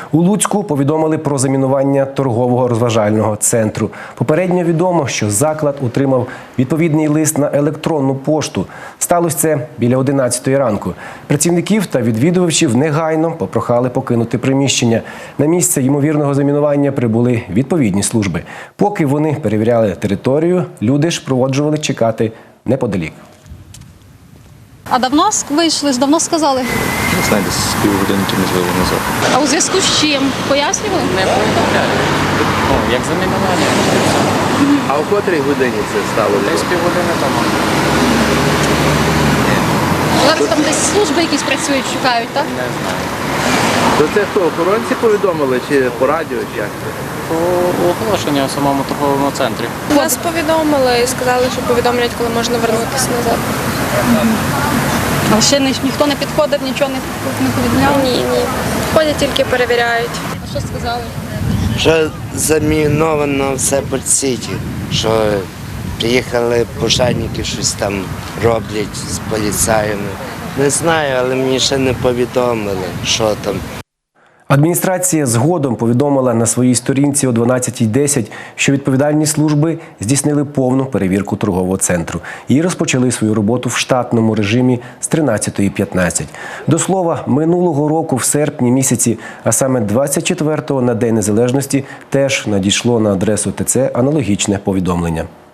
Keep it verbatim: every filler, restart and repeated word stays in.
У Луцьку повідомили про замінування торгового розважального центру. Попередньо відомо, що заклад отримав відповідний лист на електронну пошту. Сталося це біля одинадцятої ранку. Працівників та відвідувачів негайно попрохали покинути приміщення. На місце ймовірного замінування прибули відповідні служби. Поки вони перевіряли територію, люди ж проводжували чекати неподалік. А давно вийшли, давно сказали? Не знаю, десь з півгодинки, можливо, назад. А у зв'язку з чим? Пояснювали? Не повідомляли. Ну, як замінування. А о котрій годині це стало? Десь півгодини тому. Зараз там десь служби якісь працюють, шукають, так? Не знаю. То це хто, охоронці повідомили чи по радіо, чи як це? По оголошенню в самому торговому центрі. Нас повідомили і сказали, що повідомлять, коли можна вернутися назад. А ще ні- ніхто не підходив, нічого не, не повідомляв? Ні, ні. Ходять, тільки перевіряють. А що сказали? Що заміновано все по сіті, що приїхали пожежники, щось там роблять з поліцаями. Не знаю, але мені ще не повідомили, що там. Адміністрація згодом повідомила на своїй сторінці о дванадцятій десять, що відповідальні служби здійснили повну перевірку торгового центру і розпочали свою роботу в штатному режимі з тринадцятої п'ятнадцять. До слова, минулого року в серпні місяці, а саме двадцять четвертого на День Незалежності, теж надійшло на адресу ТЦ аналогічне повідомлення.